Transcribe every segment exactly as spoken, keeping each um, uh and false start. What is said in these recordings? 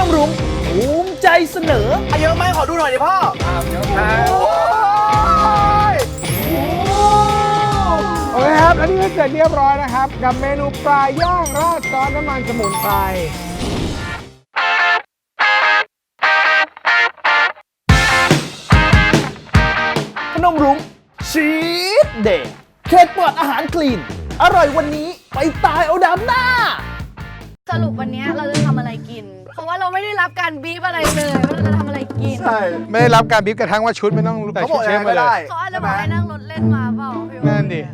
รุ้งภูมิใจเสนอเยอะไหมขอดูหน่อยดิพ่อเยอะมากโอเคครับและนี่ก็เสร็จเรียบร้อยนะครับกับเมนูปลาย่างราดซอสน้ำมันสมุนไพรพนมรุ้งชีสเดย์เค้กปลอดอาหารคลีนอร่อยวันนี้ไปตายเอาดำหน้าสรุปวันนี้เราจะทำอะไรกินเพราะว่าเราไม่ได้รับการบีบอะไรเลยว่าเราจะทำอะไรกินใช่ไม่ได้รับการบีบกระทั่งว่าชุดไม่ต้องใส่ชุดเชฟมาเลยเขาอาจจะบอกให้นั่งรถเล่นมาเปล่านั่นดิ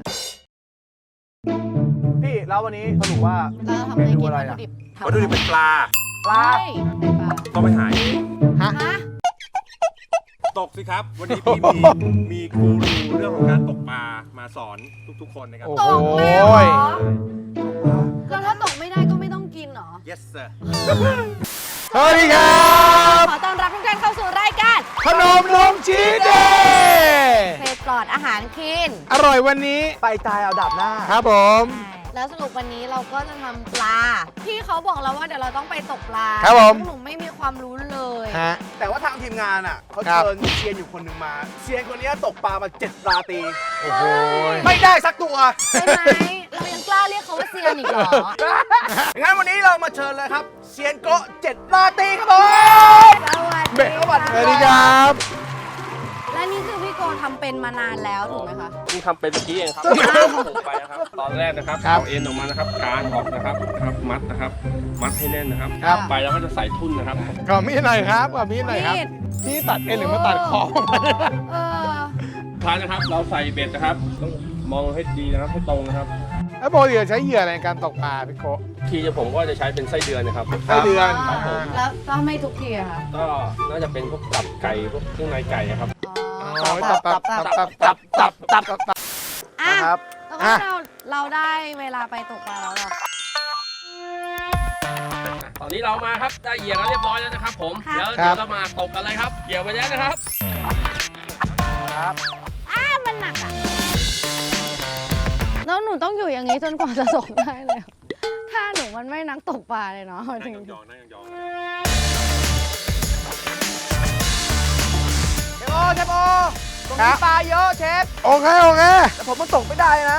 พี่แล้ววันนี้สรุปว่าเราทำอะไรกินวัตถุดิบวัตถุดิบเป็นปลาปลาต้องไปหาเองฮะตกสิครับวันนี้พี่มีมีกูรูเรื่องของการตกปลามาสอนทุกๆคนนะครับตกเลยเหรอแล้วถ้าตกไม่ได้ก็ไม่ต้องกินเหรอ yes sir สวัสดีครับขอต้อนรับทุกท่านเข้าสู่รายการพนมรุ้งชีสเดย์เฟสปลอดอาหารคลีนอร่อยวันนี้ไปตายเอาดับหน้าครับผมแล้วสรุปวันนี้เราก็จะทำปลาพี่เขาบอกเราว่าเดี๋ยวเราต้องไปตกปลาครับผมหนูไม่มีความรู้เลยฮะแต่ว่าทางทีมงานอ่ะเขาเชิญเซียนอยู่คนหนึ่งมาเซียนคนนี้ตกปลามาเจ็ดปลาตีโอ้โหไม่ได้สักตัวใช่ไหมเรายังกล้าเรียกเขาว่าเซียนอีกเหรองั้นวันนี้เรามาเชิญเลยครับเซียนโกะเจ็ดปลาตีครับผมสวัสดีสวัสดีครับและนี่คือพี่โกทำเป็นมานานแล้วถูกไหมคะเพิ่งทำเป็นเมื่อกี้เองครับผมไปนะครับตอนแรกนะครับเอาเอ็นออกมานะครับการออกนะครับครับมัดนะครับมัดให้แน่นนะครับไปแล้วก็จะใส่ทุ่นนะครับขอมีดหน่อยครับขอมีดหน่อยครับพี่ตัดเอ็นหรือมาตัดคอเออท้ายนะครับเราใส่เบ็ดนะครับต้องมองให้ดีนะครับให้ตรงนะครับแล้วปกติใช้เหยื่ออะไรในการตกปลาพี่โกทีจะผมก็จะใช้เป็นไส้เดือนนะครับไส้เดือนแล้วก็ไม่ทุกทีอะค่ะก็น่าจะเป็นพวกตับไก่พวกเครื่องในไก่ครับตับตับตับตับตับตับตับตับตับอ่ะครับแล้วเราเราได้เวลาไปตกปลาแล้วหรอตอนนี้เรามาครับได้เหยื่อแล้วเรียบร้อยแล้วนะครับผมแล้วเดี๋ยวเรามาตกกันเลยครับเหยื่อไปแล้วนะครับครับอ้ามันหนักอ่ะแล้วหนูต้องอยู่อย่างนี้จนกว่าจะตกได้เลยถ้าหนูมันไม่นักตกปลาเลยเนาะนั่งยองนั่งยองเชฟโอเชฟโอตรงนี้ปลาเยอะเชฟโอเคโอเคแต่ผมมันตกไม่ได้นะ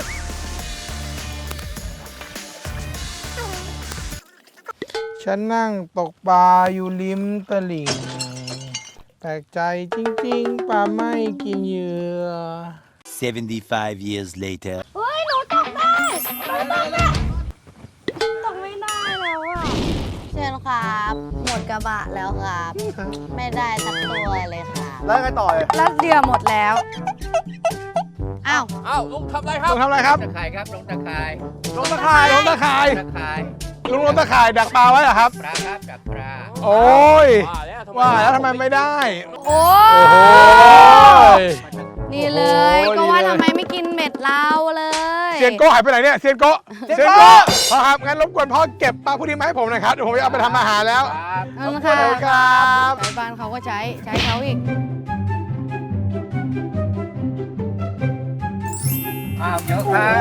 ฉันนั่งตกปลาอยู่ริมตลิ่งแปลกใจจริงๆปลาไม่กินเหยื่อ seventy-five years later เฮ้ยหนูตกได้หนูตกได้ตกไม่ได้แล้วอ่ะเชิญครับหมดกระบะแล้วครับไม่ได้สักตัวเลยค่ะแล้วไงต่อเลยรัดเดียวหมดแล้วอ้าวอ้าวลุงทำอะไรครับลุงทำอะไรครับตะข่ายครับลงตะข่ายลงตะข่ายลงตะข่ายตะข่ายลุงลงตะข่ายดักปลาไว้เหรอครับปลาครับดักปลาโอ้ยว่าแล้วทำไมไม่ได้โอ้ยนี่เลยก็ว่าทำไมไม่กินเม็ดเราเลยเซียนโก้หายไปไหนเนี่ยเซียนโก้เซียนโก้พ่อครับงั้นรบกวนพ่อเก็บปลาพวกนี้มาให้ผมหน่อยครับเดี๋ยวผมจะเอาไปทำอาหารแล้วขอบคุณครับชาวบ้านเขาก็ใช้ใช้เขาอีกอ้าวเยอะครับ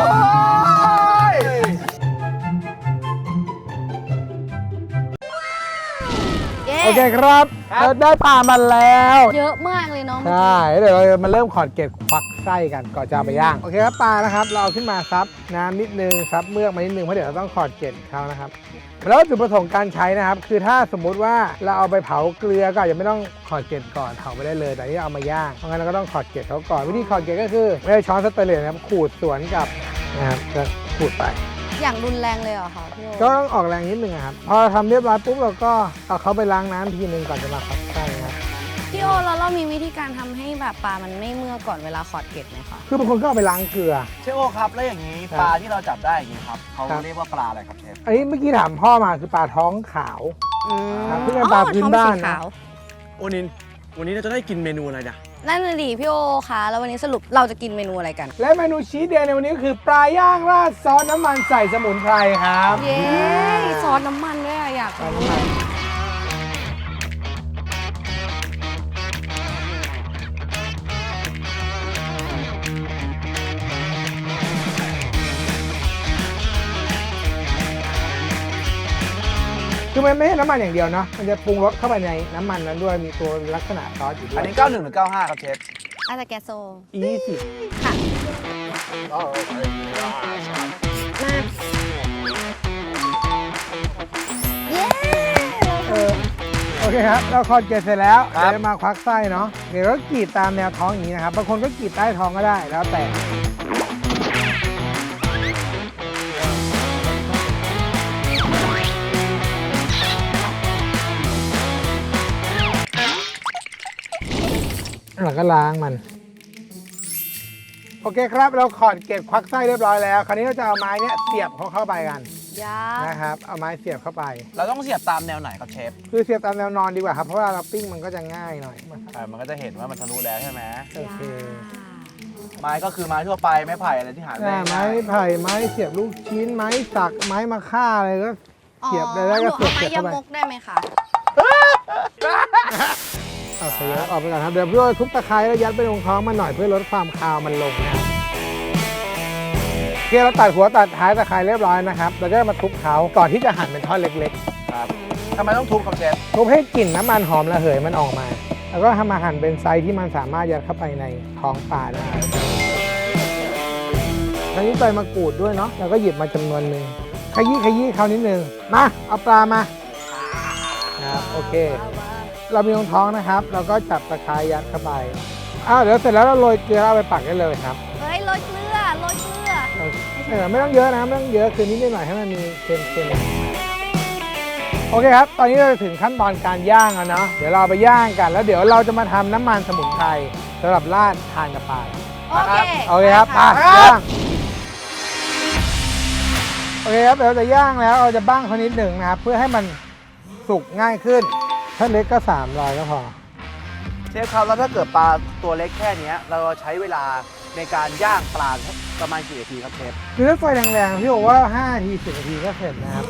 โอเคครับเราได้ปลามาแล้วเยอะมากเลยน้องใช่เดี๋ยวเรามาเริ่มขอดเกล็ดควักไส้กันก่อนจะเอาไปย่างโอเคครับปลานะครับเราเอาขึ้นมาซับน้ำนิดนึงซับเมือกมานิดนึงเพราะเดี๋ยวเราต้องขอดเกล็ดเขานะครับแล้วจุดประสงค์การใช้นะครับคือถ้าสมมุติว่าเราเอาไปเผาเกลือก็อาจจะไม่ต้องขอดเกล็ดก่อนเผาไปได้เลยแต่ที่เอามาย่างเพราะงั้นเราก็ต้องขอดเกล็ดเขาก่อนวิธีขอดเกล็ดก็คือไม่ได้ช้อนสเตนเลสนะครับขูดสวนกับนะครับก็ขูดไปอย่างรุนแรงเลยเหรอคะพี่โอก็ต้องออกแรงนิดนึงครับพอทำเรียบร้อยปุ๊บเราก็เอาเขาไปล้างน้ำทีนึงก่อนจะมาขอดไส้ครับพี่โอแล้วเรามีวิธีการทำให้แบบปลามันไม่เมื่อก่อนเวลาขอดเกล็ดไหมคะคือบางคนก็เอาไปล้างเกลือเชฟโอครับแล้วอย่างนี้ปลาที่เราจับได้อย่างนี้ครับเขาเรียกว่าปลาอะไรครับเชฟอันนี้เมื่อกี้ถามพ่อมาคือปลาท้องขาวเพื่อเป็นปลาพื้นบ้านนะโอนินวันนี้เราจะได้กินเมนูอะไรนะนั่นน่ะดิพี่โอคะแล้ววันนี้สรุปเราจะกินเมนูอะไรกันและเมนูชีสเดย์ในวันนี้ก็คือปลาย่างราดซอสน้ำมันใส่สมุนไพรครับเย้ซอสน้ำมันด้วยอยากรู้คือคือมันไม่ใช่น้ำมันอย่างเดียวเนาะมันจะปรุงรสเข้าไปในน้ำมันนั้นด้วยมีตัวลักษณะซอสอยู่ด้วอัยนนี้เก้าหนึ่งหรือเก้าห้าครับเชฟอาตาแกโซอีสิค่ะมาเย้เออโอเคครับเราคอนเกตเสร็จแล้วครับเดี๋ยวมาควักไส้เนาะเดี๋ยวเรากรีดตามแนวท้องอย่างนี้นะครับบางคนก็กรีดใต้ท้องก็ได้แล้วแต่เราก็ล้างมันโอเคครับเราขอดเกล็ดควักไส้เรียบร้อยแล้วคราวนี้เราจะเอาไม้เนี้ยเสียบเขาเข้าไปกันยานะครับเอาไม้เสียบเข้าไปเราต้องเสียบตามแนวไหนครับเชฟคือเสียบตามแนวนอนดีกว่าครับเพราะว่าเราปิ้งมันก็จะง่ายหน่อยอ่ามันก็จะเห็นว่ามันทะลุแล้วใช่ไหมโอเคไม้ก็คือไม้ทั่วไปไม้ไผ่อะไรที่หาหน้าได้ไม้ไผ่ไม้เสียบลูกชิ้นไม้สักไม้มะค่าอะไรก็เสียบได้แล้วก็เสียบหนูเสียบเอาไม้เข้าไปยำมกได้ไหมคะเอาเสียบออกไปก่อนครับเดี๋ยวพี่โอ้ทุบตะไคร้แล้วยัดไปลงท้องมันหน่อยเพื่อลดความคาวมันลงนะครับโอเคเราตัดหัวตัดท้ายตะไคร้เรียบร้อยนะครับเราก็มาทุบเขาก่อนที่จะหั่นเป็นท่อนเล็กครับทำไมต้องทุบครับเชฟๆทุบให้กลิ่นน้ำมันหอมระเหยมันออกมา แล้วก็ทำมาหั่นเป็นไซส์ที่มันสามารถยัดเข้าไปในท้องปลาได้คราวนี้ใบมะกรูดด้วยเนาะแล้วก็หยิบมาจำนวนหนึ่งขยี้ขยี้เขานิดนึงมาเอาปลามาครับโอเค เรามีรองท้องนะครับ เราก็จับตะไคร้ยัดเข้าไปอ้าวเดี๋ยวเสร็จแล้วเราโรยเกลือเอาไปปักได้เลยครับเฮ้ยโรยเกลือโรยเกลือเออไม่ต้องเยอะนะไม่ต้องเยอะคือนิดหน่อยให้มันมีเค็มๆโอเคครับ ตอนนี้เราถึงขั้นตอนการย่างแล้วเนาะเดี๋ยวเราไปย่างกันแล้วเดี๋ยวเราจะมาทำน้ำมันสมุนไพรสำหรับราดทานกับปลาโอเคโอเคครับมาย่างโอเคครับเดี๋ยวเราจะย่างแล้วเราจะบ้างเขานิดหนึ่งนะครับเพื่อให้มันสุกง่ายขึ้นถ้าเล็กก็สามร้อยก็พอเชฟครับแล้วถ้าเกิดปลาตัวเล็กแค่เนี้ยเราใช้เวลาในการย่างปลาประมาณกี่นาทีครับเชฟคือถ้าไฟแรงๆพี่บอกว่าห้านาทีสิบนาทีก็เสร็จนะครับ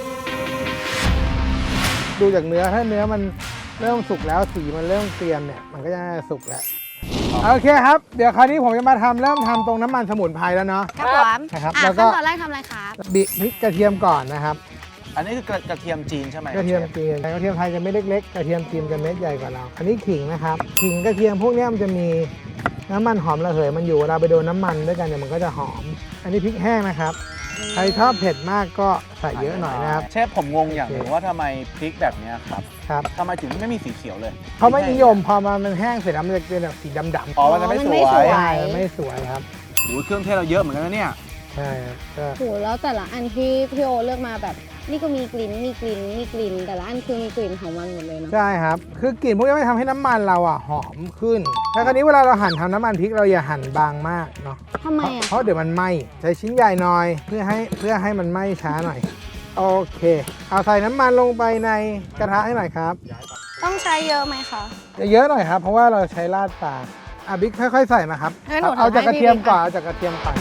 ดูจากเนื้อถ้าเนื้อมันเริ่มสุกแล้วสีมันเริ่มเตรียมเนี่ยมันก็จะสุกแล้วโอเคครับเดี๋ยวคราวนี้ผมจะมาทำเริ่มทำตรงน้ำมันสมุนไพรแล้วเนาะครับผมนะครับอ่ะแล้วก็ขั้นตอนแรกทำอะไรครับบิพริกกระเทียมก่อนนะครับอันนี้คือกระกระเทียมจีนใช่ไหมกระเทียมชฟจีนกระเทียมไทยจะไม่เล็กๆกระเทียมจีนจะเม็ดใหญ่กว่าเราอันนี้ขิงนะครับขิงกระเทียมพวกเนี้ยมันจะมีน้ำมันหอมระเหยมันอยู่เวลาไปโดนน้ำมันด้วยกันเนี่ยมันก็จะหอม อันนี้พริกแห้งนะครับใครชอบเผ็ดมากก็ใส่เยอะหน่อยนะครับเชฟผมงงอย่างหนึงว่าทำไมพริกแบบเนี้ยครับครับทำไมถึงไม่มีสีเขียวเลยเขาไม่นิยมพอมันแห้งเสร็จแล้วมันจะเป็นแบบสีดำๆอ๋อมันจะไม่อ๋อสมันไม่วสวย ยใช่มันไม่สวยครับโอ้ยเครื่องเทศเราเยอะเหมือนกันนะเนี่ยใช่ครับก็โหแล้วแต่ละอันที่พี่โอเลือกมาแบบ นี่ก็มีกลิ่นมีกลิ่นมีกลิ่น แต่ละอันคือมีกลิ่นของมันหมดเลยเนาะใช่ครับ คือกลิ่นพวกนี้ไม่ทำให้น้ำมันเราอ่ะหอมขึ้นแล้วคราวนี้เวลาเราหั่นทำน้ำมันพริกเราอย่าหั่นบางมากเนาะทำไมเพราะอ่ะเพราะเดี๋ยวมันไหม้ใช้ชิ้นใหญ่หน่อยเพื่อให้เพื่อให้มันไหม้ช้าหน่อย โอเค เอาใส่น้ำมันลงไปในกระทะให้หน่อยครับต้องใช้เยอะไหมคะเยอะๆหน่อยครับ เพราะว่าเราใช้ราดปลาอ่ะบิ๊กค่อยๆใส่มาครับงั้นหนูเอาเอาจากกให้ระเทียมพี่บิ๊กก่อนอ่ะเอาจากกระเทียมก่อน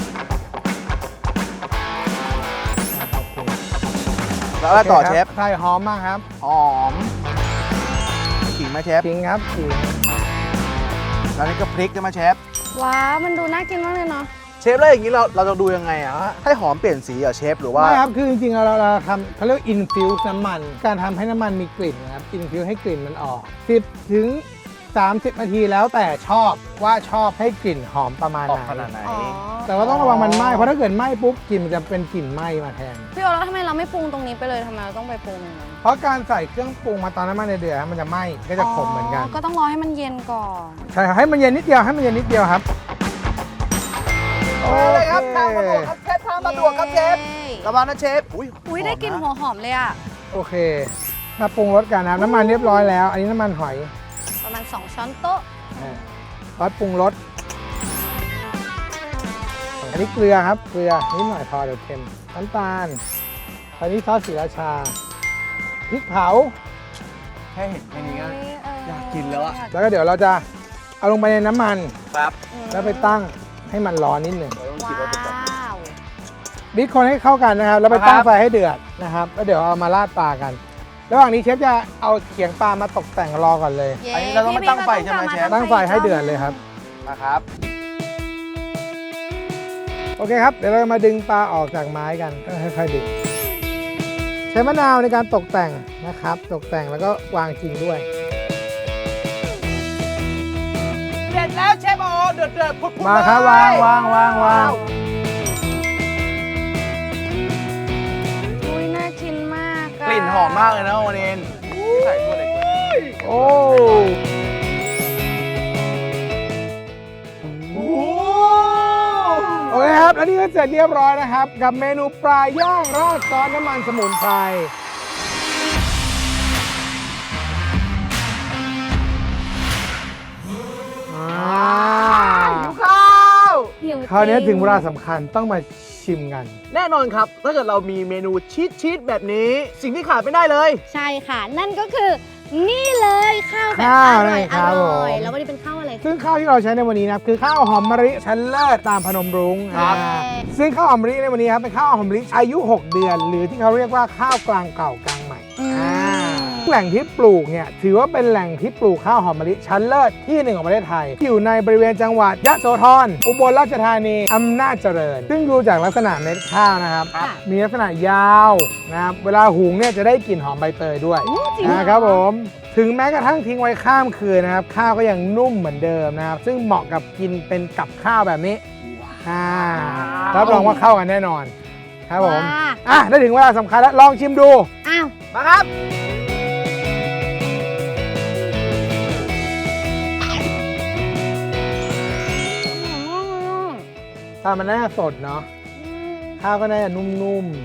แล้วอะไรต่อเชฟใส่หอมมากครับหอมขิงไหมเชฟจริงครับจริงแล้วนี่ก็พริกใช่ไหมเชฟว้าวมันดูน่ากินมากเลยเนาะเชฟแล้วอย่างนี้เราเราจะดูยังไงอะให้หอมเปลี่ยนสีเหรอเชฟหรือว่าไม่ครับ คือจริงๆ เราเราทำเขาเรียกอินฟิวส์น้ำมัน การทำให้น้ำมันมีกลิ่นนะครับอินฟิวให้กลิ่นมันออก สิบถึงสามสิบ นาทีแล้วแต่ชอบว่าชอบให้กลิ่นหอมประมาณออกไหขนาดนไหนอ๋อแต่ว่าต้องระวังมันไหม้เพราะถ้าเกิดไหม้ปุ๊บกลิ่นมันจะเป็นกลิ่นไหม้มาแทนพี่โอแล้วทำไมเราไม่ปรุงตรงนี้ไปเลยทำไมเราต้องไปปรุงตรงนั้นเพราะการใส่เครื่องปรุงมาตอนน้ำมันในเดือดมันจะไหม้ก็จะขมเหมือนกันก็ต้องรอให้มันเย็นก่อนใช่ครับให้มันเย็นนิดเดียวให้มันเย็นนิดเดียวครับโอเคครับทางมาดวกครับเชฟทางมาดวกครับเชฟย้ระวังนะเชฟอุ้ยอุ้ยได้กลิ่นหหัอวหอมเลยอ่ะโอเคมาปรุงรสกันนะครับน้ำมันเรียบร้อยแล้ว อันนี้น้ำมันหอยประมาณสองช้อนโต๊ะซอสปรุงรสอันนี้เกลือครับเกลือนิดหน่อยพอเดี๋ยวเค็มน้ำตาลอันนี้ซอสศรีราชาพริกเผาแค่เห็นแค่นี้ก็อยากกินแล้วอะแล้วก็เดี๋ยวเราจะเอาลงไปในน้ำมันครับแล้วไปตั้งให้มันร้อนนิดหนึ่งเราต้องว้คิดว่าจะแบบาวบิ๊กคนให้เข้ากันนะครับ แล้วไปครับตั้งไฟให้เดือดนะครับแล้วเดี๋ยวเอามาราดปลากัน ระหว่างนี้เชฟจะเอาเขียงปลามาตกแต่งรอก่อนเลยย้อันนี้เราต้องไปตั้งไฟใช่ไหมพี่เชบิ๊ฟกตั้งไฟให้เดือดเลยครับนะครับโอเคครับ เดี๋ยวเรามาดึงปลาออกจากไม้กันก็ค่อยๆดึง เชช้มะนาวในการตกแต่งนะครับ ตกแต่งแล้วก็วางจริงด้วยเสร็จแล้วเชฟโอเดือดเดือดพุดๆมาครับเลวาย งวางวางวางอุ้ยน่ากินมากะกลิ่นหอมมากเลยนะโอเนนใส่ตัวเล็กโอ้ โอเคครับ แล้วนี่ก็เสร็จเรียบร้อยนะครับ กับเมนูปลาย่างราดซอสน้ำมันสมุนไพรอ่าข้าวหิวคราวนี้จริถึงเวลาสำคัญต้องมาชิมกันแน่นอนครับ ถ้าเกิดเรามีเมนูชีสชีสแบบนี้ สิ่งที่ขาดไม่ได้เลยใช่ค่ะ นั่นก็คือนี่เลยข้าวแบบข้าวอร่อยเลยคอรับร่อยผมแล้ววันนี้เป็นข้าวอะไรซึ่งข้าวที่เราใช้ในวันนี้นะครับคือข้าวหอมมะลิชั้นเลิศตามพนมรุ้งครับอ่าซึ่งข้าวหอมมะลิในวันนี้ครับเป็นข้าวหอมมะลิอายุ หก เดือน หรือที่เขาเรียกว่าข้าวกลางเก่ากลางใหม่อืมอ่าแหล่งที่ปลูกเนี่ยถือว่าเป็นแหล่งที่ปลูกข้าวหอมมะลิชั้นเลิศที่หนึ่งของประเทศไทย อยู่ในบริเวณจังหวัดยะโสธรอุบลราชธานีอำนาจเจริญ ซึ่งดูจากลักษณะเม็ดข้าวนะครับค่ะมีลักษณะยาวนะครับเวลาหุงเนี่ยจะได้กลิ่นหอมใบเตยด้วยอู้จริงเหรอนะครับผมถึงแม้กระทั่งทิ้งไว้ข้ามคืนนะครับข้าวก็ยังนุ่มเหมือนเดิมนะครับซึ่งเหมาะกับกินเป็นกับข้าวแบบนี้อ่ารับรองว่าเข้ากันแน่นอนครับผมว้าอ่ะได้ถึงเวลาสำคัญแล้วลองชิมดูอ้าวมาครับถ้ามันน่าจะสดเนาะข้าวก็น่าจะนุ่ม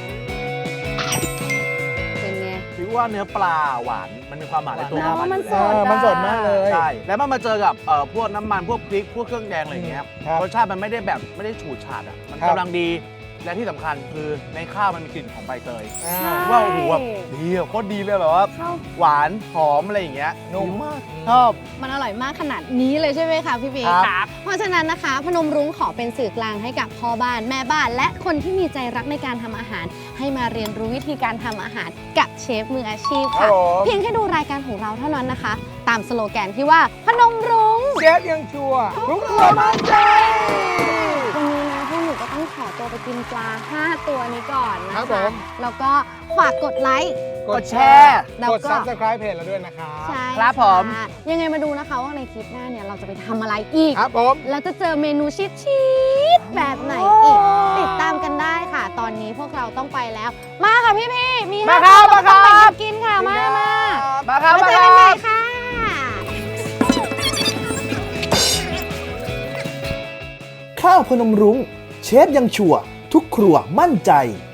เป็นไงถือว่าเนื้อปลาหวาน มันมีความหวานในตัวแล้วของมันอยู่สแล้วๆเอดอมันสดมากเลยใช่ แล้วมันมาเจอกับเอ่อพวกน้ำมัน พวกพริก พวกเครื่องแดงอะไรอย่างเงี้ยครับรสชาติมันไม่ได้แบบไม่ได้ฉูดฉาดอ่ะ มันครับกำลังดี และที่สำคัญคือในข้าวมันมีกลิ่นของใบเตยอ่าใช่ว่าโอ้โหแบบดีอะโคตรดีเลยแบบว่าข้าวหวานหอมอะไรอย่างเงี้ยนุ่มดีมากชอบมันอร่อยมากขนาดนี้เลยใช่ไหมคะพี่บีครับเพราะฉะนั้นนะคะ พนมรุ้งขอเป็นสื่อกลางให้กับพ่อบ้านแม่บ้าน และคนที่มีใจรักในการทำอาหาร ให้มาเรียนรู้วิธีการทำอาหารกับเชฟมืออาชีพครัค่ะบผมเพียงแค่ดูรายการของเราเท่านั้นนะคะ ตามสโลแกนที่ว่าพนมรุ้งเชฟยังชัวร์ทุกตัวมั่นใจวันนี้นะพวกหนูก็ต้องขอตัวไปกินปลา ห้า ตัวนี้ก่อนนะครัคะบผมแล้วก็ฝากกดไลค์กดแชร์แล้วกดก็ Subscribe เพจเราด้วยนะครับใช่ครับผมะยังไงมาดูนะคะว่าในคลิปหน้าเนี่ยเราจะไปทำอะไรอีกครับผมแล้วจะเจอเมนูชิดชิดๆแบบไหนอีก ติดตามกันได้ค่ะ ตอนนี้พวกเราต้องไปแล้ว มาค่ะพี่พี่ๆมีมาครับห้ตัวมาครับต้องไปกินค่ะ มามามาครับมามาเจอคกันใหรัม่บค่ะข้าวพนมรุ้งเชฟยังชัวร์ทุกครัวมั่นใจ